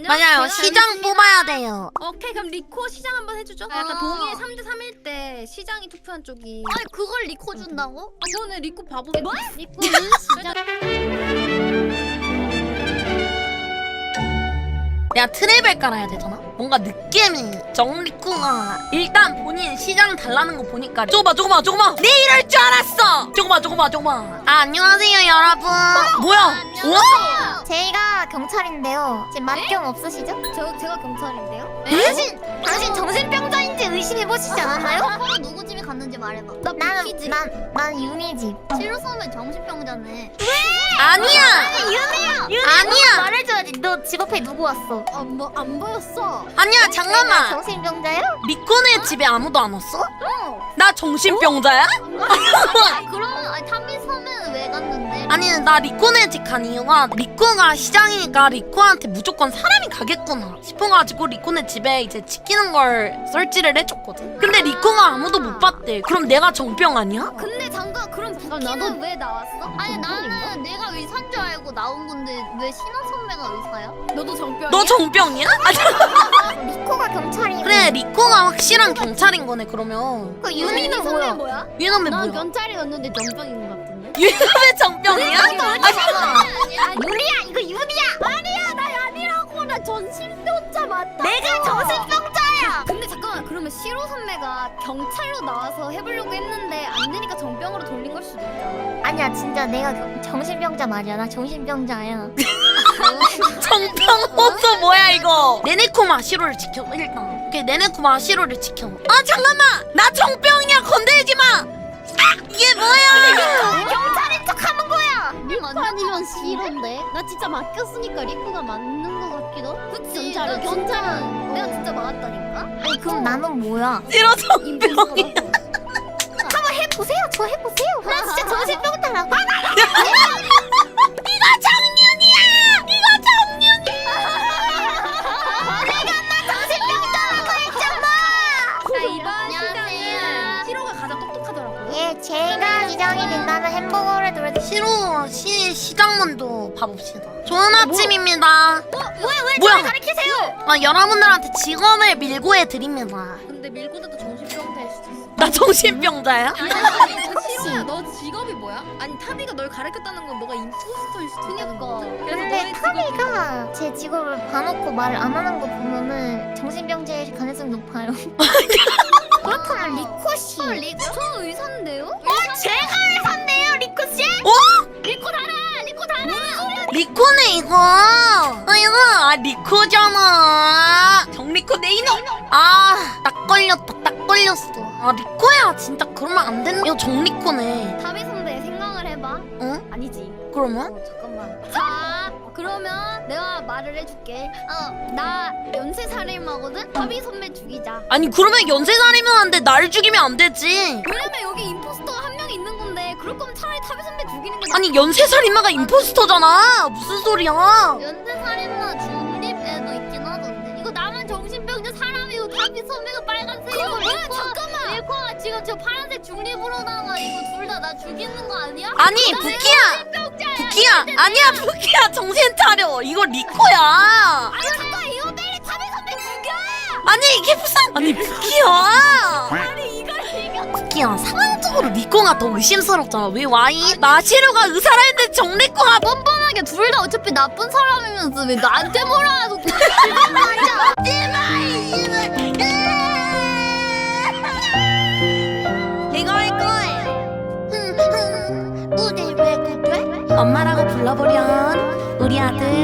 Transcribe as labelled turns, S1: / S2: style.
S1: 맞아요. 시장 뽑아야 돼요.
S2: 오케이 그럼 리코 시장 한번 해주죠. 약간 동의 3대 3일 때 시장이 투표한 쪽이.
S3: 아니 그걸 리코 준다고?
S2: 저는 리코 바보.
S3: 뭐? 리코는 시장.
S1: 내가 트랩을 깔아야 되잖아? 뭔가 느낌이 정리쿠가 일단 본인 시장 달라는 거 보니까 조금만 내 이럴 줄 알았어! 조금만 아 안녕하세요 여러분. 뭐야? 와?
S3: 제가 경찰인데요. 지금 맛경 없으시죠? 제가 경찰인데요. 당신 정신병자인지 의심해보시지 않았나요? 그럼 누구 집에 갔는지 말해봐. 난 윤희 집. 실로서면 정신병자네.
S1: 아니야! 아니야!
S3: 말해줘야지. 너 집 앞에 누구 왔어? 안 보였어.
S1: 아니야 잠깐만!
S3: 정신병자야?
S1: 리코네 집에 아무도 안 왔어? 나 정신병자야?
S3: 그러면 탐미섬에는 왜 갔는데?
S1: 아니 나 리코네 집 간 이유가 리코가 시장이니까 리코한테 무조건 사람이 가겠구나 싶어가지고 리코네 집에 이제 지키는 걸 설치를 해줬거든. 근데 리코가 아무도 못 봤대. 그럼 내가 정병 아니야?
S3: 근데 잠깐 그럼 부키는 왜 나왔어? 아니 나는 내가 의사인 줄 알고 나온 건데 왜 신원 선배가 의사야?
S2: 너도 정병이야?
S1: 너 정병이야?
S3: 리코가 경찰이고.
S1: 그래 리코가 확실한 경찰인 거네 그러면.
S3: 그 윤희는 뭐야?
S1: 유놈의 뭐야?
S3: 경찰이었는데 정병인 것 같은데.
S1: 유놈의 정병이야?
S3: 윤희야 이거 윤희야. 아니야 나 아니라고. 나 정신병자 맞다. 내가 정신병자야. 근데 잠깐만 그러면 시로 선배가 경찰로 나와서 해보려고 했는데 안 되니까 정병으로 돌린 걸 수도 있잖아. 아니야 진짜 내가 정신병자 맞아. 나 정신병자야.
S1: 정병 호수 뭐야 이거? 네네코마 시로를 지켜 일단. 오케이 네네코마 시로를 지켜. 아 잠깐만 나 정병이야 건들지 마. 아, 이게 뭐야?
S3: 경찰인 척 하는 거야.
S4: 리코 아니면 시로인데? 나 진짜 맡겼으니까 리코가 맞는 것 같기도?
S3: 그치.
S4: 경찰은
S3: 경찰은 내가 진짜 맞았다니까. 아니 그럼 나는 뭐야?
S1: 시로 정병이야.
S3: 한번 해보세요. 저 해보세요. 나 진짜 정신병자라고.
S1: 이거 정윤이야. 이거 정윤이야.
S3: 내가 나 정신병자라고 했잖아.
S2: 자 이번
S3: 안녕하세요.
S2: 시장은 시로가 가장 똑똑하더라고.
S3: 예, 제가 시장이 된다면 햄버거를 들어.
S1: 시로 시장문도 봐봅시다. 좋은 아침입니다.
S3: 왜
S1: 뭐야?
S3: 저를 가르치세요?
S1: 아 여러분들한테 직업을 밀고해 드립니다.
S2: 근데 밀고도 정신병자일 수도 있어.
S1: 나 정신병자야?
S2: 시로야 너 직업이 뭐야? 아니 타비가 널 가르쳤다는 건 너가 임포스터일 수도 있다는 거거든. 그래서
S3: 근데
S2: 너의 직업이
S3: 타미가 제 직업을 봐놓고 말을 안 하는 거 보면은 정신병자일 가능성이 높아요. 그렇다면 리코 씨. 리코 저 의사인데요? 제가 의사인데요, 리코 씨?
S1: 어?
S3: 리코 달아, 리코 달아.
S1: 리코네 이거. 이거 리코잖아. 정리코 내 이놈. 딱 걸렸어. 리코야 진짜 그러면 안 되는. 이거 정리코네.
S3: 타미 선배 생각을 해봐.
S1: 응?
S3: 아니지.
S1: 그러면?
S3: 잠깐만. 자, 그러면 내가 말을 해줄게. 나 연쇄살인마거든. 타미 선배 죽이자.
S1: 아니 그러면 연쇄살인마인데 나를 죽이면 안 되지.
S3: 왜냐면 여기 임포스터가 한 명 있는 건데 그럴 거면 차라리 타미 선배 죽이는 게
S1: 아니 연쇄살인마가 임포스터잖아. 무슨 소리야?
S3: 연쇄살인마 중립에도 있긴 하던데. 이거 나만 정신병자 사람이고 타미 선배가 빨간색이고. 뭐야 잠깐만. 리코가 지금 저 파란색 중립으로다가 이거 둘 다 나 죽이는 거 아니야?
S1: 아니 부키야 아니야 부키야 정신 차려. 이거 리코야.
S3: 아니 잠깐 이거 빨리 타미 선배 죽여.
S1: 아니 이게 무슨 아니 부키야.
S3: 아니 이거.
S1: 부키야 상황적으로 리코가 더 의심스럽잖아. 왜 와이? 나 시루가 의사라 했는데 정리코가
S3: 뻔뻔하게 둘 다 어차피 나쁜 사람이면서 왜 나한테 뭐라 하고 그런 말이야.
S1: 이거 할 거예요. 무대 왜 그래? 엄마라고 불러보련 우리 아들